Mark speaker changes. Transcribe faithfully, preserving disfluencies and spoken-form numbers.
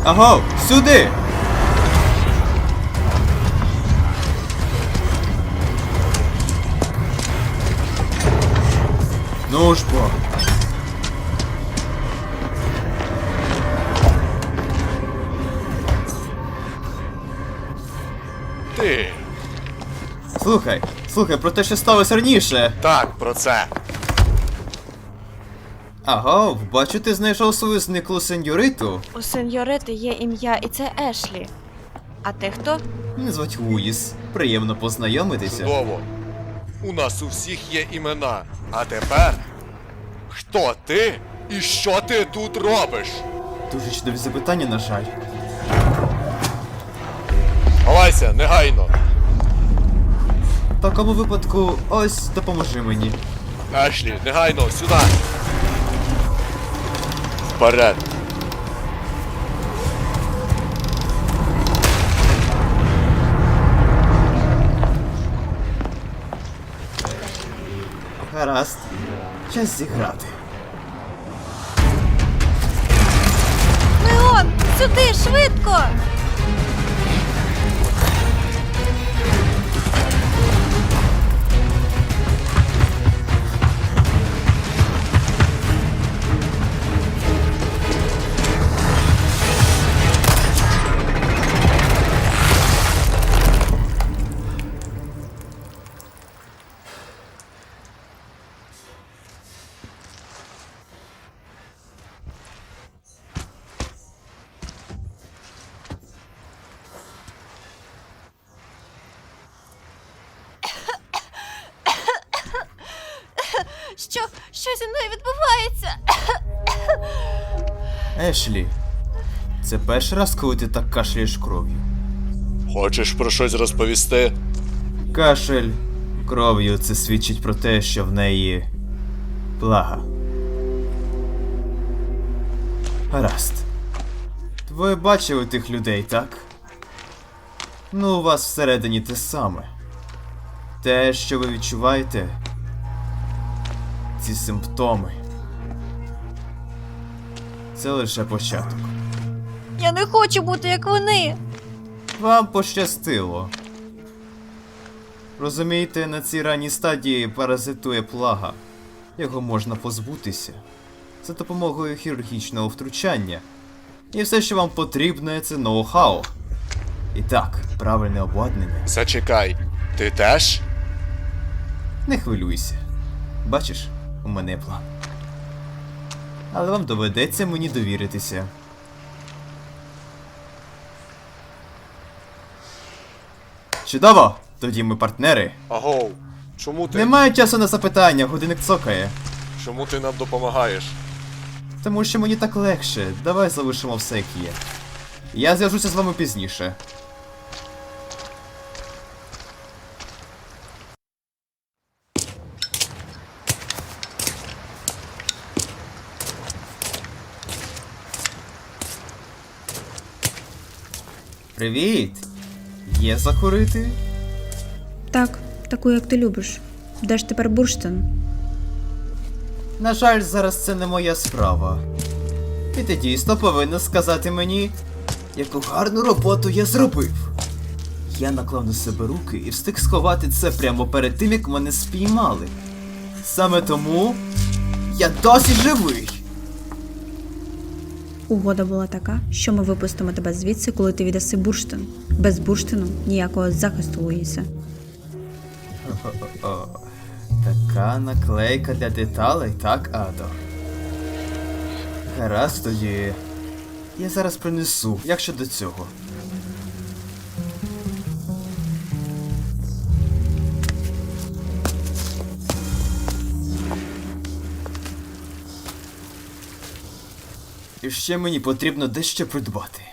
Speaker 1: Аго, сюди! Ну ж бо.
Speaker 2: Ти.
Speaker 1: Слухай, слухай, про те, що сталося раніше.
Speaker 2: Так, про це.
Speaker 1: Аго, бачу, ти знайшов свою зниклу сеньориту.
Speaker 3: У сеньорити є ім'я, і це Ешлі. А ти хто?
Speaker 1: Мене звуть Луїс. Приємно познайомитися.
Speaker 2: Чудово. У нас у всіх є імена. А тепер. Хто ти і що ти тут робиш?
Speaker 1: Дуже чудові запитання, на жаль.
Speaker 2: Ховайся, негайно.
Speaker 1: В такому випадку, ось, допоможи мені.
Speaker 2: Ешлі, негайно, сюди. Вперед.
Speaker 1: Гаразд. Час зіграти.
Speaker 3: Леон, сюди, швидко! Що? Що зі мною відбувається?
Speaker 1: Ешлі, це перший раз, коли ти так кашляєш кров'ю.
Speaker 2: Хочеш про щось розповісти?
Speaker 1: Кашель кров'ю — це свідчить про те, що в неї плага. Гаразд. Ви бачили тих людей, так? Ну, у вас всередині те саме. Те, що ви відчуваєте, ці симптоми, це лише початок.
Speaker 3: Я не хочу бути як вони.
Speaker 1: Вам пощастило. Розумієте, на цій ранній стадії паразитує плага. Його можна позбутися за допомогою хірургічного втручання. І все, що вам потрібно, це ноу-хау. І так, правильне обладнання.
Speaker 2: Зачекай, ти теж?
Speaker 1: Не хвилюйся. Бачиш, у мене є план. Але вам доведеться мені довіритися. Чудово! Тоді ми партнери.
Speaker 2: Агоу, чому ти?
Speaker 1: Немає часу на запитання, годинник цокає.
Speaker 2: Чому ти нам допомагаєш?
Speaker 1: Тому що мені так легше. Давай залишимо все як є. Я зв'яжуся з вами пізніше. Привіт! Є закурити?
Speaker 4: Так, таку, як ти любиш. Де ж тепер бурштин?
Speaker 1: На жаль, зараз це не моя справа. І ти дійсно повинна сказати мені, яку гарну роботу я зробив. Я наклав на себе руки і встиг сховати це прямо перед тим, як мене спіймали. Саме тому я досі живий.
Speaker 4: Угода була така, що ми випустимо тебе звідси, коли ти віддаси бурштин. Без бурштину ніякого захисту, Луїсе.
Speaker 1: О, така наклейка для деталей, так, Адо? Гаразд тоді. Я зараз принесу, як щодо цього. І ще мені потрібно дещо придбати.